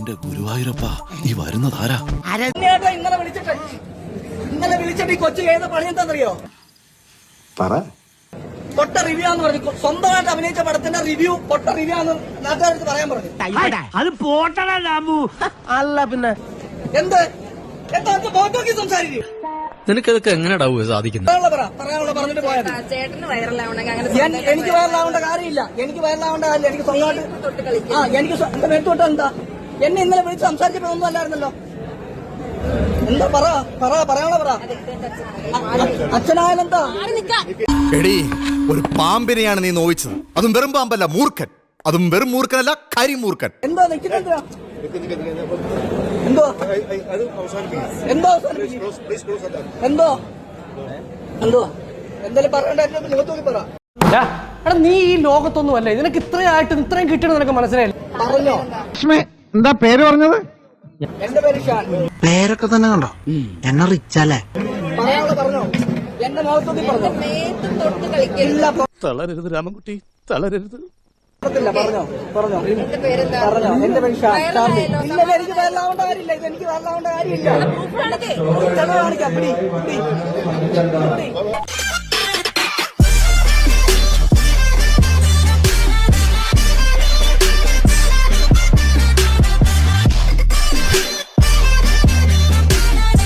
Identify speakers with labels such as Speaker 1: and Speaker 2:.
Speaker 1: എന്റെ ഗുരുവായൂരപ്പ ഈ വരുന്നതാരാ?
Speaker 2: ഇന്നലെ വിളിച്ചിട്ട് ഈ കൊച്ചു ചെയ്ത പണി എന്താണെന്നറിയോ? പൊട്ട റിവ്യൂ എന്ന് പറഞ്ഞു. സ്വന്തമായിട്ട് അഭിനയിച്ച പടത്തിന്റെ റിവ്യൂ പൊട്ട റിവ്യൂ എന്ന് നാട്ടുകാർക്ക് പറയാൻ പറഞ്ഞു.
Speaker 3: അത് പോട്ടടാ രാമു. അല്ല പിന്നെ
Speaker 2: എന്ത് എന്താ ഫോട്ടോക്ക് സംസാരിക്കും?
Speaker 4: നിനക്കതൊക്കെ എങ്ങനെയാ സാധിക്കുന്നത്?
Speaker 2: പറയാനുള്ള പറഞ്ഞിട്ട് പോയത്. എനിക്ക് വയറിലാവേണ്ട കാര്യമില്ല. എനിക്ക് വയറിലാവേണ്ട കാര്യമില്ല. എനിക്ക് സ്വന്തമായിട്ട് എനിക്ക് മേത്തോട്ട് എന്താ എന്നെ ഇന്നലെ വിളിച്ച് സംസാരിച്ചപ്പോ ഒന്നും അല്ലായിരുന്നല്ലോ. എന്താ പറയാനുള്ള പറ. അച്ഛനായാലെന്താ?
Speaker 5: എടീ, ഒരു പാമ്പിനെയാണ് നീ നോവിച്ചത്. അതും വെറും പാമ്പല്ല, മൂർഖൻ. അതും വെറും മൂർഖനല്ല, കരിമൂർഖൻ.
Speaker 2: എന്തോ നിൽക്കുന്നെന്താ? എന്തോ എന്തോ എന്തോ എന്തോ എന്തായാലും പറയണ്ട. മുഖത്തോക്കി പറ.
Speaker 3: നീ ഈ ലോകത്തൊന്നും അല്ലേ. നിനക്ക് ഇത്രയായിട്ട് ഇത്രയും കിട്ടണം നിനക്ക് മനസ്സിലായില്ല.
Speaker 2: പറഞ്ഞോ.
Speaker 6: എന്താ പേര് പറഞ്ഞത്?
Speaker 2: എന്റെ പേര് ഷാൻ.
Speaker 6: പേരൊക്കെ തന്നെ കണ്ടോ? എന്നെ റിച്ചല്ലേ?
Speaker 2: പറയാനുള്ള പറഞ്ഞോ. എന്റെ മുഖത്തോക്കി പറഞ്ഞോ.
Speaker 1: തളരരുത് രാമൻകുട്ടി, തളരരുത്.
Speaker 2: പറഞ്ഞോ പറഞ്ഞോ പറഞ്ഞോ. എന്റെ പേര് ഷാൻ. ഇല്ല, എനിക്ക് വയറിലാവേണ്ട കാര്യമില്ല. ഇത് എനിക്ക് വയറിലാവേണ്ട കാര്യമില്ല. കാണിക്കാം.